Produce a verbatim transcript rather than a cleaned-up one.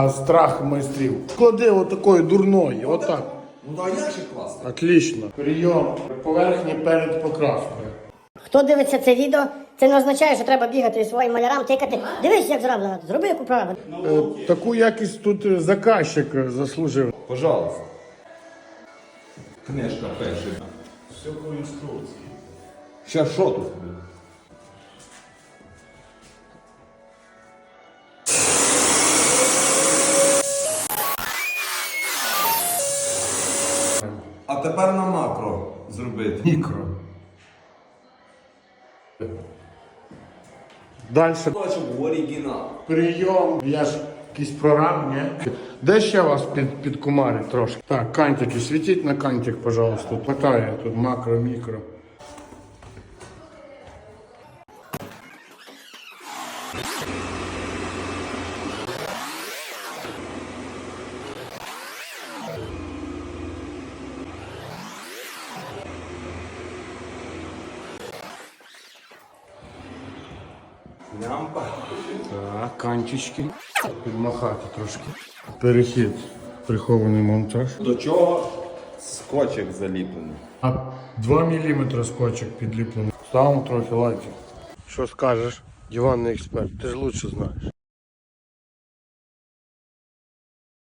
А страх майстрів. Клади отакої дурної, отак. Ну да, як ще класно. Отлично. Прийом поверхні перед покраскою. Хто дивиться це відео, це не означає, що треба бігати своїм малярам, тикати. Дивись, як зроблено, зроби яку правильно. Е, таку якість тут заказчик заслужив. Пожалуйста. Книжка перша. Все по інструкції. Ще що тут? А тепер на макро зробити. Мікро. Далі. Хочу в оригінал. Прийом. Я ж якийсь прорам, ні? Де ще вас під, підкумарить трошки? Так, кантики. Світіть на кантик, пожалуйста. Хватає тут макро, мікро. Лямпа. Так, кантички. Підмахати трошки. Перехід. Прихований монтаж. До чого скотчик заліплений. А два міліметри скотчик підліплений. Ставимо трохи лайків. Що скажеш, диванний експерт? Ти ж лучше знаєш.